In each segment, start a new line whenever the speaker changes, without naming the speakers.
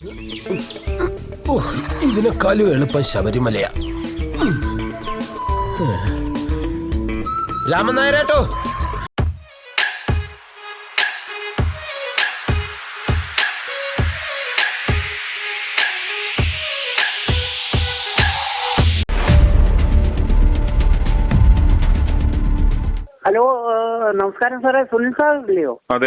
ഇതിനേക്കാളും എളുപ്പം ശബരിമലയാ. രാമൻ നായരേട്ടോ,
ഹലോ, നമസ്കാരം സാറേ, സുനിൽ സാർ ഇല്ലയോ?
അതെ.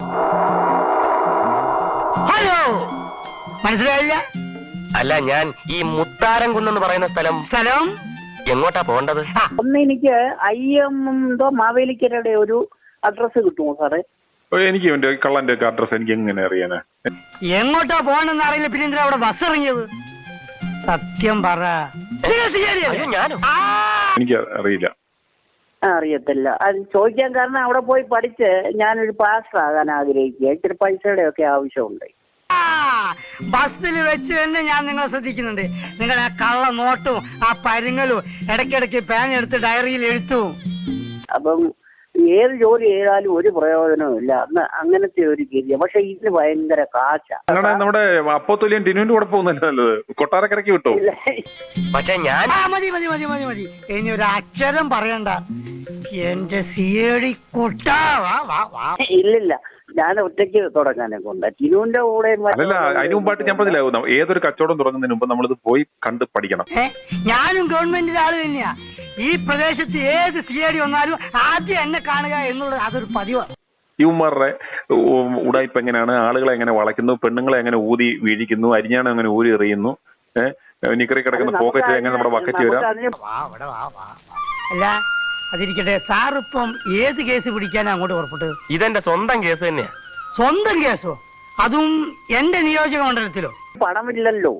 ഹലോ, മനസ്സിലായില്ല? അല്ല, ഞാൻ ഈ മുത്താരം കുന്നെന്ന് പറയുന്ന സ്ഥലം എങ്ങോട്ടാ പോകേണ്ടത്?
ഒന്ന് എനിക്ക് എന്തോ മാവേലിക്കരയുടെ ഒരു അഡ്രസ് കിട്ടുമോ സാറേ?
എനിക്ക് ഇവന്റെ കള്ളന്റെ ഒക്കെ അഡ്രസ് എനിക്ക് എങ്ങനെ അറിയാനാ?
എങ്ങോട്ടാ പോകണമെന്ന് അറിയില്ല, പിന്നെ എന്തിനാ അവിടെ ബസ് ഇറങ്ങിയത്? സത്യം പറ.
എനിക്ക് അറിയില്ല.
അറിയത്തില്ല. അത് ചോദിക്കാൻ കാരണം അവിടെ പോയി പഠിച്ച് ഞാനൊരു പാസ്റ്റർ ആകാൻ ആഗ്രഹിക്കുക. ഇത്തിരി പൈസയുടെ ഒക്കെ ആവശ്യമുണ്ട്.
ബസ്സിൽ വെച്ച് തന്നെ ഞാൻ നിങ്ങളെ ശ്രദ്ധിക്കുന്നുണ്ട്. നിങ്ങളുടെ ആ കള്ള നോട്ടും ആ പരുങ്ങലും ഇടയ്ക്കിടയ്ക്ക് പേനെടുത്ത് ഡയറിയിൽ എഴുത്തും.
അപ്പം ഏത് ജോലി ചെയ്താലും ഒരു പ്രയോജനവും ഇല്ല. അങ്ങനത്തെ ഒരു ഗതിയ. പക്ഷെ ഇതിന് ഭയങ്കര കാശ.
നമ്മുടെ അപ്പോത്തുലിയൻ ടിനുവിന്റെ കൂടെ പോകുന്നല്ലേ നല്ലത്? കൊട്ടാരക്കരയ്ക്ക് വിട്ടോ?
പക്ഷെ ഞാൻ മതി മതി മതി മതി മതി ഇനി ഒരു അക്ഷരം പറയണ്ട. എന്റെ സിയേടി കൊട്ടാ.
ഇല്ലില്ല, ഞാൻ ഒറ്റയ്ക്ക് തുടങ്ങാനെ കൊണ്ട് ടിനുവിന്റെ കൂടെ.
അല്ല, അതിന് മുമ്പായിട്ട് ഞാൻ പറഞ്ഞില്ല, ഏതൊരു കച്ചവടം തുടങ്ങുന്നതിന് മുമ്പ് നമ്മളിത് പോയി കണ്ട് പഠിക്കണം.
ഞാനും ഗവൺമെന്റിന്റെ ആള് തന്നെയാ. ഈ പ്രദേശത്ത് ഏത് സിയേടി വന്നാലും ആദ്യം എന്നെ കാണുക എന്നുള്ളത് അതൊരു പതിവാണ്.
ഇവന്മാരുടെ ഉടായ്പ എങ്ങനെയാണ്, ആളുകളെ എങ്ങനെ വളയ്ക്കുന്നു, പെണ്ണുങ്ങളെ എങ്ങനെ ഊതി വീഴിക്കുന്നു, അരിഞ്ഞാണ് എങ്ങനെ ഊരി എറിയുന്നു, നിക്കറി കിടക്കുന്ന പോക്കറ്റ് എങ്ങനെ നമ്മുടെ ബക്കറ്റ് വരാം.
അല്ല, അതിരിക്കട്ടെ, സാറിപ്പം ഏത് കേസ് പിടിക്കാനാ അങ്ങോട്ട് പുറപ്പെട്ടത്? ഇതെന്റെ സ്വന്തം കേസ് തന്നെയാ. സ്വന്തം കേസോ? അതും എന്റെ നിയോജക മണ്ഡലത്തിലോ?
പണമില്ലല്ലോ.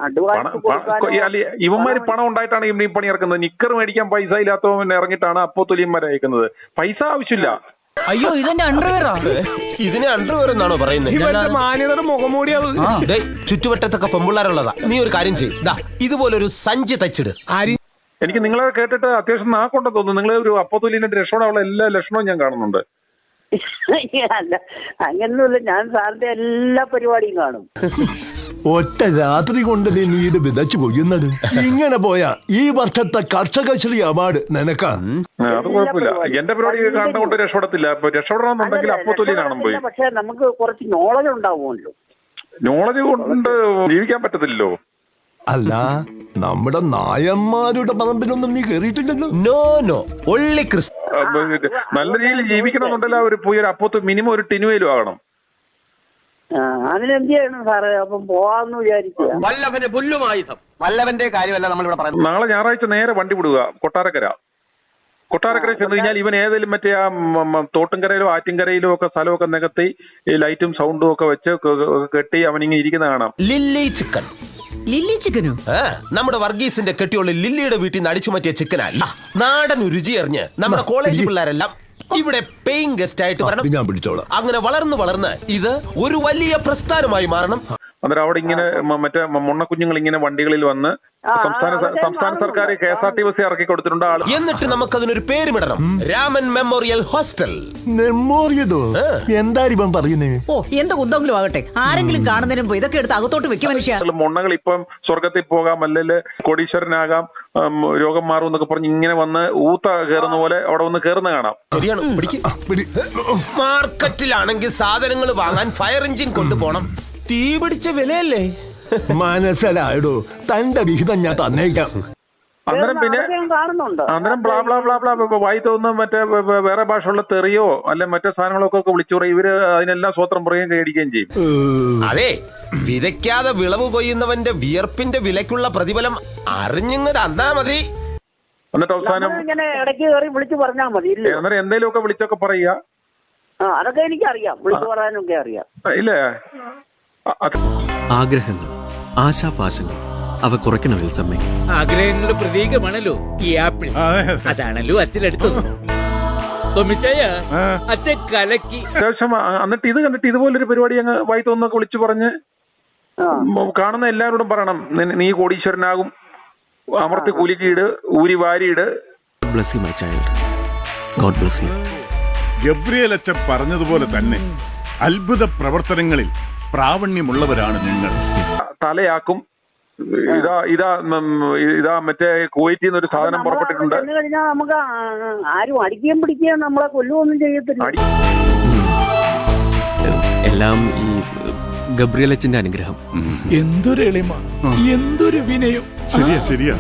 ഇവന്മാര് പണം ഉണ്ടായിട്ടാണ് ഈ പണി ഇറക്കുന്നത്. നിക്കർ മേടിക്കാൻ പൈസ ഇല്ലാത്തവൻ ഇറങ്ങിയിട്ടാണ് അപ്പോത്തുലിയന്മാരെ അയക്കുന്നത്. പൈസ ആവശ്യമില്ല.
അയ്യോ, ഇതെന്റെ അണ്ടർവെയറാ.
ഇതിനെ അണ്ടർവെയർ എന്നാണോ പറയുന്നത്? മുഖംമൂടിയാണ്. ചുറ്റുവട്ടത്തൊക്കെ പെമ്പിള്ളാരുള്ളതാ. നീ ഒരു കാര്യം ചെയ്യ്, ഇതുപോലൊരു സഞ്ചി തച്ചിട്.
എനിക്ക് നിങ്ങളെ കേട്ടിട്ട് അത്യാവശ്യം നാക്കൊണ്ടെന്ന് തോന്നുന്നു. നിങ്ങൾ ഒരു അപ്പോത്തുലിയന്റെ രക്ഷപ്പെടാനുള്ള എല്ലാ ലക്ഷണവും ഞാൻ കാണുന്നുണ്ട്.
അല്ല, അങ്ങനൊന്നുമില്ല. ഞാൻ സാറിന്റെ എല്ലാ പരിപാടിയും കാണും.
ഒറ്റ രാത്രി കൊണ്ട് നീ ഇത് വിതച്ചു കൊയ്യുന്നത്. ഇങ്ങനെ പോയാ ഈ വർഷത്തെ കർഷകശ്രീ അവാർഡ് നിനക്കാ.
അത് കുഴപ്പമില്ല. എന്റെ പരിപാടി കണ്ടുകൊണ്ട് രക്ഷപ്പെടത്തില്ല. രക്ഷപ്പെടണമെന്നുണ്ടെങ്കിൽ അപ്പോത്തുലിയനാണ് പോയി.
പക്ഷെ നമുക്ക് കുറച്ച് നോളജ് ഉണ്ടാവുമല്ലോ.
നോളജ് കൊണ്ട് ജീവിക്കാൻ പറ്റത്തില്ലല്ലോ.
അല്ല, നമ്മുടെ നായന്മാരുടെ പറമ്പിലൊന്നും നീ കേറിയിട്ടില്ലല്ലോ.
നോ നോ, ഒള്ളി ക്രിസ്തു.
നല്ല രീതിയിൽ ജീവിക്കണമെന്നുണ്ടല്ലോ. ഒരു പോയി ഒരു അപ്പോത്ത് മിനിമം ഒരു ടിനുവേലും ആകണം.
അതിനെന്ത് ചെയ്യണം സാറേ? അപ്പം പോവാന്ന് വിചാരിക്കുക.
വല്ലഭന്റെ പുല്ലുമായുധം. വല്ലഭന്റെ കാര്യമല്ല നമ്മളിവിടെ പറയുന്നത്.
നാളെ ഞായറാഴ്ച നേരെ വണ്ടി വിടുക കൊട്ടാരക്കര ചെന്ന് കഴിഞ്ഞാൽ ഇവൻ ഏതെങ്കിലും മറ്റേ ആ തോട്ടുംകരയിലോ ആറ്റിൻകരയിലോ ഒക്കെ സ്ഥലമൊക്കെ നികത്തി ഈ ലൈറ്റും സൗണ്ടും ഒക്കെ വെച്ച് കെട്ടി അവനിങ്ങനെ ഇരിക്കുന്ന കാണാം.
Lily chicken.
ലില്ലി ചിക്കനോ?
നമ്മുടെ വർഗീസിന്റെ കെട്ടിയുള്ള ലില്ലിയുടെ വീട്ടിൽ നിന്ന് അടിച്ചു മാറ്റിയ ചിക്കനല്ല. നാടൻ രുചി അറിഞ്ഞ് നമ്മുടെ കോളേജ് പിള്ളേരെല്ലാം ഇവിടെ പേയിങ് ഗസ്റ്റ് ആയിട്ട് വരണം.
ഞാൻ പിടിച്ചോളാം.
അങ്ങനെ വളർന്ന് ഇത് ഒരു വലിയ പ്രസ്ഥാനമായി മാറണം.
അന്നേരം അവിടെ ഇങ്ങനെ മറ്റേ മുണ്ണക്കുഞ്ഞുങ്ങൾ ഇങ്ങനെ വണ്ടികളിൽ വന്ന് സംസ്ഥാന സർക്കാർ KSRTC ഇറക്കി കൊടുത്തിട്ടുണ്ട് ആള്.
എന്നിട്ട് നമുക്കതിനൊരു പേരുമിടണം, രാമൻ മെമ്മോറിയൽ ഹോസ്റ്റൽ.
മെമ്മോറിയലോ? എന്താ ഇവൻ പറയുന്നേ?
ഓ, എന്ത് കുന്തെങ്കിലും ആകട്ടെ, ആരെങ്കിലും കാണുന്നതിന് മുമ്പ് ഇതൊക്കെ എടുത്ത് അകത്തോട്ട് വെക്കും മനുഷ്യ.
മുണ്ണകൾ ഇപ്പം സ്വർഗത്തിൽ പോകാം, അല്ലെങ്കിൽ കോടീശ്വരനാകാം, രോഗം മാറും എന്നൊക്കെ പറഞ്ഞ് ഇങ്ങനെ വന്ന് ഊത്ത കയറുന്ന പോലെ അവിടെ വന്ന് കയറുന്ന കാണാം.
ശരിയാണ്. മാർക്കറ്റിലാണെങ്കിൽ സാധനങ്ങൾ വാങ്ങാൻ ഫയർ എഞ്ചിൻ കൊണ്ടുപോകണം. തീ പിടിച്ച വിലയല്ലേ?
മനസ്സിലായിടോ, തന്റെ വിഹിതം ഞാൻ തന്നേക്കാം.
അന്നേരം പിന്നെ ബ്ലാ ബ്ലാ ബ്ലാ ബ്ലാ വായി തോന്നുന്ന മറ്റേ വേറെ ഭാഷയുള്ള തെറിയോ അല്ലെ മറ്റേ സാധനങ്ങളൊക്കെ വിളിച്ചു പറയും. ഇവര് അതിനെല്ലാം സ്വത്രം പറയുകയും കൈയടിക്കുകയും ചെയ്യും.
അതെ, വിതയ്ക്കാതെ വിളവ് കൊയ്യുന്നവന്റെ വിയർപ്പിന്റെ വിലക്കുള്ള പ്രതിഫലം അറിഞ്ഞത് തന്നാ മതി.
എന്നിട്ട് അവസാനം
ഇങ്ങനെ ഇടയ്ക്ക് കയറി വിളിച്ചു പറഞ്ഞാൽ മതി.
അന്നേരം എന്തെങ്കിലുമൊക്കെ വിളിച്ചൊക്കെ പറയുക.
അതൊക്കെ എനിക്കറിയാം, വിളിച്ചു പറയാനൊക്കെ അറിയാം.
ഇല്ലേ?
ആഗ്രഹങ്ങൾ, ആശാപാശങ്ങൾ, അവ കുറയ്ക്കണം വിൽസമ്മേ.
ആഗ്രഹങ്ങളുടെ പ്രതീകമാണല്ലോ ഈ ആപ്പിൾ. അതാണല്ലോ അച്ഛനെടുത്തത്. അച്ഛൻ കലക്കി.
അത്യാവശ്യം എന്നിട്ട് ഇത് കണ്ടിട്ട് ഇതുപോലൊരു പരിപാടി അങ്ങ് വായി തോന്നൊക്കെ വിളിച്ചു പറഞ്ഞ് കാണുന്ന എല്ലാവരോടും പറയണം, നീ കോടീശ്വരനാകും, അമർത്തി കുലുക്കിയിട്, ഊരി വാരിയിട്.
Bless you, my child. God bless you.
Gabriel അച്ഛൻ പറഞ്ഞതുപോലെ തന്നെ അത്ഭുത പ്രവർത്തനങ്ങളിൽ പ്രാവണ്യമുള്ളവരാണ് നിങ്ങൾ.
തലയാക്കും. ഇതാ മറ്റേ കുവൈറ്റിൽ നിന്ന് ഒരു സാധനം പുറപ്പെട്ടിട്ടുണ്ട്.
കഴിഞ്ഞാൽ നമുക്ക് ആരും അടിക്കുകയും പിടിക്കുകയും നമ്മളെ കൊല്ലുകയൊന്നും ചെയ്യത്തില്ല.
എല്ലാം ഈ ഗബ്രിയലച്ചന്റെ അനുഗ്രഹം.
എന്തൊരു എളിമ, എന്തൊരു വിനയം. ശരിയാ ശരിയാ.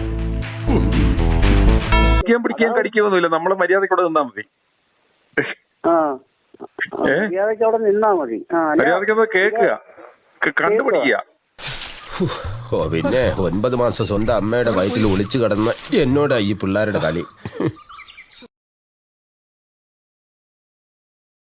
പിടിക്കുകയും കടിക്കുകയൊന്നുമില്ല. നമ്മള് മര്യാദക്കൂടെ നിന്നാ മതി.
മര്യാദയ്ക്ക് അവിടെ നിന്നാ മതി.
മര്യാദക്ക് കേൾക്കുക, കണ്ടുപിടിക്കുക.
ഓ പിന്നെ 9 മാസം സ്വന്തം അമ്മയുടെ വയറ്റിൽ ഒളിച്ചു കിടന്ന എന്നോടാ ഈ പിള്ളേരുടെ കളി.